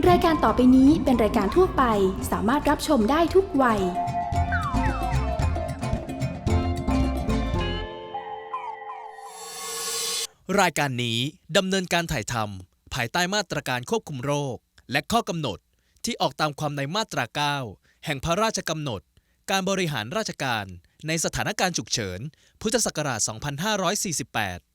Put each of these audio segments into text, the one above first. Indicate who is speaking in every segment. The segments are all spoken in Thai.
Speaker 1: รายการต่อไปนี้เป็นรายการทั่วไปสามารถรับชมได้ทุกวัย
Speaker 2: รายการนี้ดำเนินการถ่ายทำภายใต้มาตรการควบคุมโรคและข้อกำหนดที่ออกตามความในมาตรา 9 แห่งพระราชกำหนดการบริหารราชการในสถานการณ์ฉุกเฉิน พุทธศักราช 2548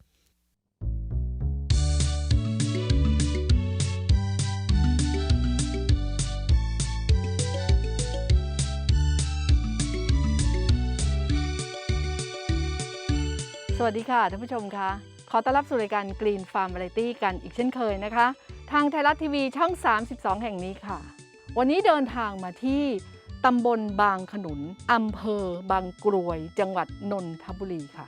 Speaker 3: สวัสดีค่ะท่านผู้ชมคะขอต้อนรับสู่รายการ Green Farm Variety กันอีกเช่นเคยนะคะทางไทยรัฐทีวีช่อง 32 แห่งนี้ค่ะวันนี้เดินทางมาที่ตำบลบางขนุนอำเภอบางกรวยจังหวัดนนทบุรีค่ะ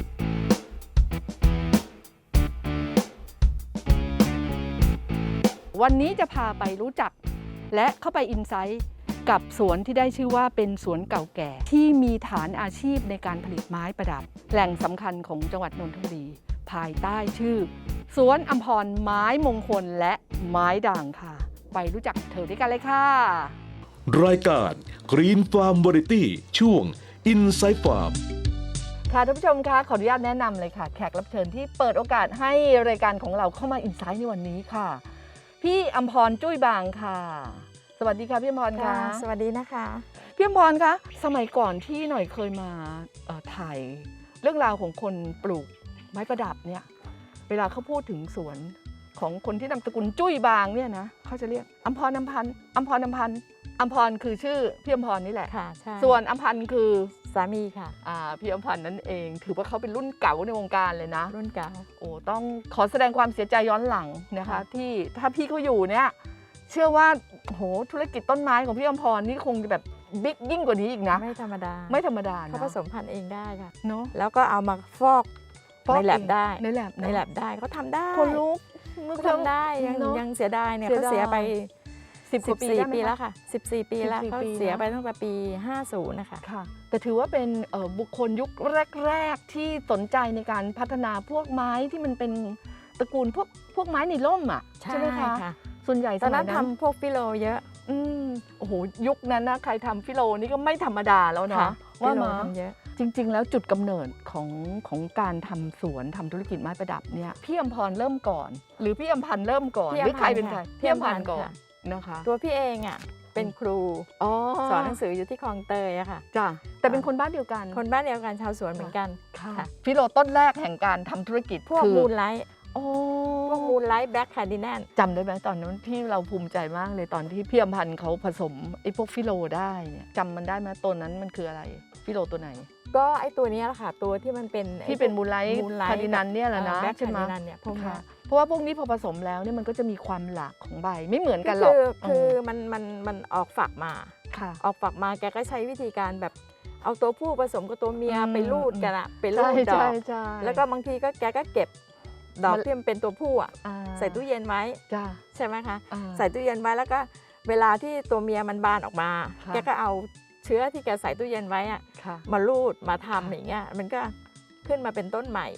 Speaker 3: วันนี้จะพาไปรู้จักและเข้าไปอินไซต์กับสวนที่ได้ชื่อว่าเป็นสวนเก่าแก่ที่มีฐานอาชีพในการผลิตไม้ประดับแหล่งสำคัญของจังหวัดนนทบุรีภายใต้ชื่อสวนอัมพรไม้มงคลและไม้ด่างค่ะไปรู้จักเธอด้วยกันเลยค่ะ
Speaker 4: รายการ Green Farm Variety ช่วง Inside Farm
Speaker 3: ค่ะท่านผู้ชมคะขออนุญาตแนะนำเลยค่ะแขกรับเชิญที่เปิดโอกาสให้รายการของเราเข้ามาอินไซต์ในวันนี้ค่ะพี่อัมพรจุ้ยบางค่ะสวัสดีค่ะพี่อัมพรค่ะ
Speaker 5: สวัสดีนะคะ
Speaker 3: พี่อัมพรคะสมัยก่อนที่หน่อยเคยมาถ่ายเรื่องราวของคนปลูกไม้ประดับเนี่ยเวลาเขาพูดถึงสวนของคนที่นามสกุลจุ้ยบางเนี่ยนะเขาจะเรียกอัมพรอัมพันธ์อัมพรอัมพันธ์อัมพรคือชื่อพี่อัมพรนี่แหละ
Speaker 5: ค่ะใช่
Speaker 3: ส่วนอัมพันธ์คือ
Speaker 5: สามีค่ะ
Speaker 3: พี่อัมพันธ์นั่นเองถือว่าเขาเป็นรุ่นเก่าในวงการเลยนะ
Speaker 5: รุ่นเก่า
Speaker 3: โอ้ต้องขอแสดงความเสียใจย้อนหลังนะคะที่ถ้าพี่เขาอยู่เนี่ยเชื่อว่าโหธุรกิจต้นไม้ของพี่อัมพรนี่คงจะแบบบิ๊กยิ่งกว่านี้อีกนะ
Speaker 5: ไม่ธรรมดา
Speaker 3: ไม่ธรรมดา
Speaker 5: เขาผสมพันธุ์เองได้ค่ะ
Speaker 3: เนาะ
Speaker 5: แล้วก็เอามาฟอกในแลบได้
Speaker 3: ในแลบ
Speaker 5: ได้เขาทำได้
Speaker 3: คนลุก
Speaker 5: เขาทำได้ยังเสียดายเนี่ยเขาเสียไป14 ปีแล้วค่ะ14 ปีแล้วเขาเสียไปตั้งแต่ปี50นะคะ
Speaker 3: ค่ะแต่ถือว่าเป็นบุคคลยุคแรกๆที่สนใจในการพัฒนาพวกไม้ที่มันเป็นตระกูลพวกไม้ในร่มอ่ะใช่ไหมคะส่วนใหญ่
Speaker 5: ตอนนั้นทำพวกฟิโลเยอะ
Speaker 3: โอ้โหยุคนั้นนะใครทำฟิโลนี่ก็ไม่ธรรมดาแล้วเนาะ
Speaker 5: ว่ามาทำเยอะ
Speaker 3: จริงๆแล้วจุดกำเนิดของการทำสวนทำธุรกิจไม้ประดับเนี่ยพี่อัมพรเริ่มก่อนหรือพี่อัมพันธ์เริ่มก่อนหรือใครเป็นใครพี่อัมพันธ์ก่อนนะคะ
Speaker 5: ตัวพี่เองอ่ะเป็นครูสอนหนังสืออยู่ที่คลองเตยอะค่ะ
Speaker 3: จ้ะแต่เป็นคนบ้านเดียวกัน
Speaker 5: คนบ้านเดียวกันชาวสวนเหมือนกัน
Speaker 3: ค่ะฟิโลต้นแรกแห่งการทำธุรกิจ
Speaker 5: พวกมูลไลท์พวกมูลไลท์แบล็คคาร์ดิแนน
Speaker 3: จำได้ไหมตอนนั้นที่เราภูมิใจมากเลยตอนที่พี่อัมพันธ์เขาผสมไอ้พวกฟิโลได้เนี่ยจำมันได้ไหมตัวนั้นมันคืออะไรฟิโลตัวไหน
Speaker 5: ก็ไอ้ตัวนี้แหละค่ะตัวที่มันเป็น
Speaker 3: ที่เป็นมูลไลท์คาร์ดินันเนี่ยแหละนะ
Speaker 5: ใช่ไหมเนี่ยพวกนี้
Speaker 3: เพราะว่าพวกนี้พอผสมแล้วเนี่ยมันก็จะมีความหลากของใบไม่เหมือนกันหรอก
Speaker 5: คือมันออกฝักมาออกฝักมาแกก็ใช้วิธีการแบบเอาตัวผู้ผสมกับตัวเมียไปรูดกันอะไปรูดดอกแล้วก็บางทีก็แกก็เก็บดอกที่มันเป็นตัวผู้อะใส่ตู้เย็นไว้ใช่ไหมคะใส่ตู้เย็นไว้แล้วก็เวลาที่ตัวเมียมันบานออกมาแกก็เอาเชื้อที่แกใส่ตู้เย็นไว้อะมารูดมาทำอย่างเงี้ยมันก็ขึ้นมาเป็นต้นใหม่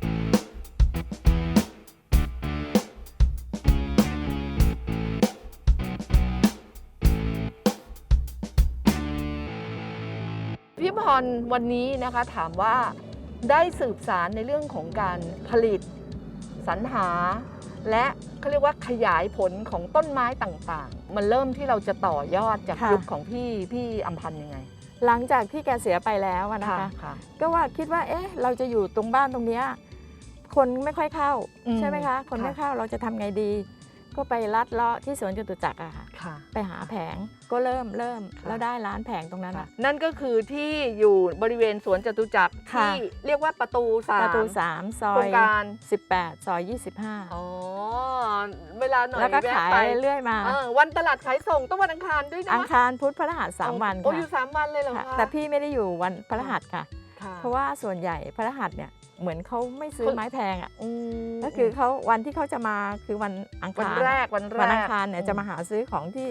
Speaker 3: พี่พรวันนี้นะคะถามว่าได้สืบสารในเรื่องของการผลิตสรรหาและเขาเรียกว่าขยายผลของต้นไม้ต่างๆมันเริ่มที่เราจะต่อยอดจากยุคของพี่อัมพันธ์ยังไง
Speaker 5: หลังจากที่แกเสียไปแล้วนะคะก็ว่าคิดว่าเราจะอยู่ตรงบ้านตรงนี้คนไม่ค่อยเข้าใช่ไหมคะคนไม่เข้าเราจะทำไงดีก็ไปลัดเลาะที่สวนจตุจักรอะค่ะไปหาแผงก็เริ่มแล้วได้ร้านแผงตรงนั้น
Speaker 3: นั่นก็คือที่อยู่บริเวณสวนจตุจักรที่เรียกว่าประตู
Speaker 5: 3ซอยโครงการ18ซอย25
Speaker 3: เวลาหน่อย
Speaker 5: แล้วก็ขายเรื่อยมา
Speaker 3: วันตลาดขายส่งต้องวันอังคารด้วยนะ
Speaker 5: อังคารพุธพฤหัส3วัน
Speaker 3: อยู่3วันเลยเหรอคะ
Speaker 5: แต่พี่ไม่ได้อยู่วันพฤหัสค่ะเพราะว่าส่วนใหญ่พฤหัสเนี่ยเหมือนเขาไม่ซื้อไม้แพงอ่ะก็คือเขาวันที่เขาจะมาคือวันอังคาร
Speaker 3: วันแรก
Speaker 5: วันอังคารเนี่ยจะมาหาซื้อของที่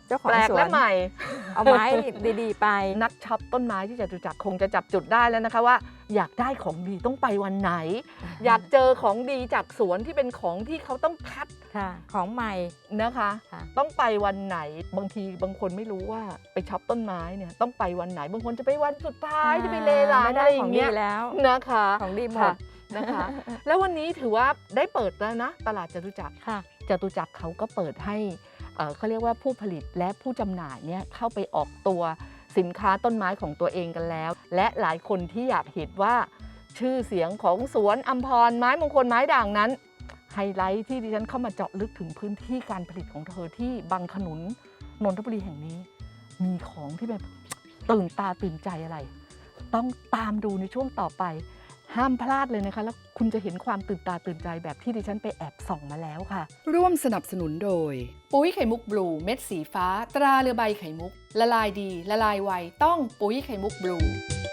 Speaker 5: เจ้าของ
Speaker 3: แปลก
Speaker 5: สว
Speaker 3: และ
Speaker 5: น
Speaker 3: ใหม่
Speaker 5: เอาไม้ดีๆไป
Speaker 3: นักช็อปต้นไม้ที่จตุจักรคงจะจับจุดได้แล้วนะคะว่าอยากได้ของดีต้องไปวันไหน อยากเจอของดีจากสวนที่เป็นของที่เขาต้องคัด
Speaker 5: ค่ะ ของใหม่
Speaker 3: นะคะ
Speaker 5: ค่ะ
Speaker 3: ต้องไปวันไหนบางทีบางคนไม่รู้ว่าไปช็อปต้นไม้เนี่ยต้องไปวันไหนบางคนจะไปวันสุดท้ายจะไปเลร้าน
Speaker 5: ไม่
Speaker 3: อะ
Speaker 5: ได้
Speaker 3: ไรอ
Speaker 5: ของ
Speaker 3: ย่าง
Speaker 5: ดี
Speaker 3: เงี้ย
Speaker 5: แล้ว
Speaker 3: นะคะ
Speaker 5: ของดีหม
Speaker 3: ค่ะ
Speaker 5: ด
Speaker 3: นะคะ แล้ววันนี้ถือว่าได้เปิดแล้วนะตลาดจตุจักร
Speaker 5: ค่ะ
Speaker 3: จตุจักรเขาก็เปิดให้เขาเรียกว่าผู้ผลิตและผู้จำหน่ายเนี่ยเข้าไปออกตัวสินค้าต้นไม้ของตัวเองกันแล้ว และหลายคนที่อยากเห็นว่าชื่อเสียงของสวนอัมพรไม้มงคลไม้ด่างนั้นไฮไลท์ที่ดิฉันเข้ามาเจาะลึกถึงพื้นที่การผลิตของเธอที่บางขนุนนนทบุรีแห่งนี้ มีของที่แบบตื่นตาตื่นใจอะไร ต้องตามดูในช่วงต่อไป ห้ามพลาดเลยนะคะ แล้วคุณจะเห็นความตื่นตาตื่นใจแบบที่ดิฉันไปแอบส่องมาแล้วค่ะ
Speaker 1: ร่วมสนับสนุนโดย ปุ๋ยไข่มุกบลูเม็ดสีฟ้า ตราเรือใบไข่มุก ละลายดี ละลายไว ต้องปุ๋ยไข่มุกบลู